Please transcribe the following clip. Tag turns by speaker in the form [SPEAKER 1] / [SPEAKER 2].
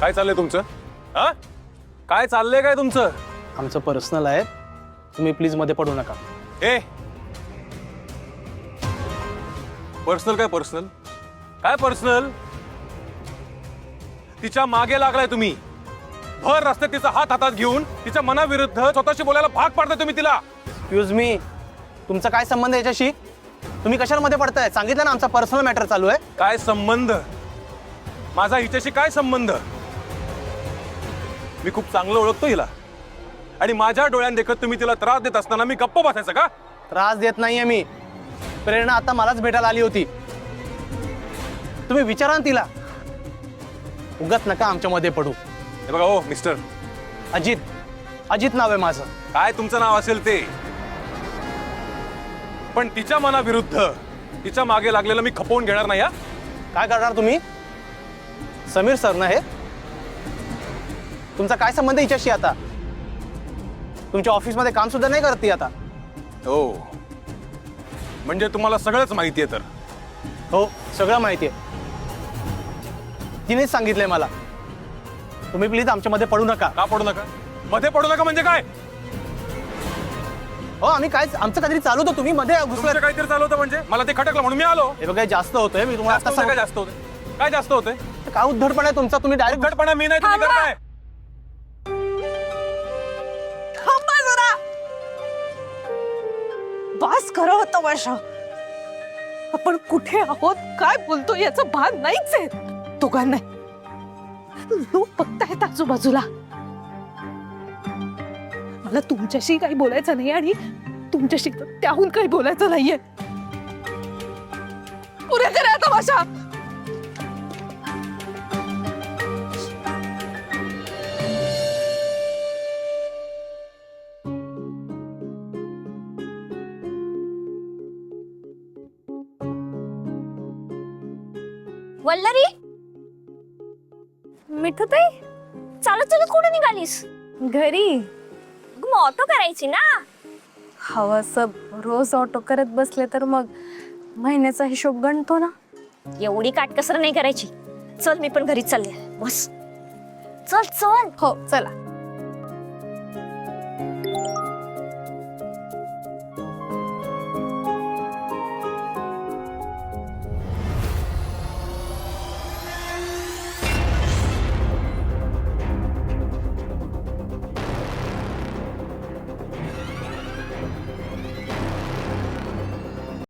[SPEAKER 1] काय चाललंय तुमचं? हा, काय चाललंय काय तुमचं?
[SPEAKER 2] आमचं पर्सनल आहे, तुम्ही प्लीज मध्ये पडू नका.
[SPEAKER 1] ए, पर्सनल काय पर्सनल? काय पर्सनल? तिच्या मागे लागलाय तुम्ही. भर रस्त्यात तिचा हात हातात घेऊन तिच्या मनाविरुद्ध स्वतःशी बोलायला भाग पाडताय तुम्ही तिला.
[SPEAKER 2] एक्सक्यूज मी, तुमचा काय संबंध याच्याशी? तुम्ही कशाला मध्ये पडताय? सांगितलं ना आमचा पर्सनल मॅटर चालू आहे.
[SPEAKER 1] काय संबंध? माझा हिच्याशी काय संबंध? मी खूप चांगलं ओळखतो हिला आणि माझ्या डोळ्यात देखत तुम्ही तिला त्रास देत असताना मी गप्प बसायचं का?
[SPEAKER 2] त्रास देत नाहीये मी. प्रेरणा आता मलाच भेटायला आली होती. तुम्ही विचारा ना तिला. उगाच नका आमच्या मध्ये पडू.
[SPEAKER 1] हे बघा, ओ मिस्टर
[SPEAKER 2] अजित, अजित नाव आहे माझं.
[SPEAKER 1] काय तुमचं नाव असेल ते, पण तिच्या मनाविरुद्ध तिच्या मागे लागलेलं मी खपवून घेणार नाही. हा,
[SPEAKER 2] काय करणार तुम्ही? समीर सर ना हे? तुमचा काय संबंध हिच्याशी आता? तुमच्या ऑफिसमध्ये काम सुद्धा नाही करत ती आता.
[SPEAKER 1] हो, म्हणजे तुम्हाला सगळंच माहिती आहे तर?
[SPEAKER 2] हो, सगळं माहिती आहे. तिनेच सांगितलंय मला. तुम्ही प्लीज आमच्या मध्ये पडू नका.
[SPEAKER 1] का पडू नका? मध्ये पडू नका म्हणजे काय?
[SPEAKER 2] हो, आम्ही काय, आमचं काहीतरी चालू होतं, तुम्ही मध्ये
[SPEAKER 1] तुमचं
[SPEAKER 2] घुसलात.
[SPEAKER 1] काहीतरी चालू होतं म्हणजे मला ते खटकलं म्हणून मी आलो.
[SPEAKER 2] हे बघा, जास्त होतंय. मी तुम्हाला
[SPEAKER 1] जास्त
[SPEAKER 2] आता
[SPEAKER 1] होतंय, काय जास्त होतंय? काय जास्त होतंय?
[SPEAKER 2] काय उद्धटपणा आहे तुमचा? तुम्ही डायरेक्ट
[SPEAKER 1] उद्धटपणा मी नाही, तुम्ही करताय.
[SPEAKER 3] थांबा जरा. बस खरं होतं वर्षा. आपण कुठे आहोत, काय बोलतो याचं भान नाहीच आहे दोघांना. लोक बघतायत आजूबाजूला. मला तुमच्याशी काही बोलायचं नाही आणि तुमच्याशी त्याहून काही बोलायचं नाहीये. पुरे करा आता भाषा.
[SPEAKER 4] वल्लरी, मिठूताई, चालत चालत कुठे निघालीस?
[SPEAKER 5] घरी.
[SPEAKER 4] मग ऑटो करायची ना.
[SPEAKER 5] हवं असं रोज ऑटो करत बसले तर मग महिन्याचा हिशोब गणतो ना.
[SPEAKER 4] एवढी काटकसर नाही करायची. चल, मी पण घरीच चालले. बस, चल चल.
[SPEAKER 5] हो, चला.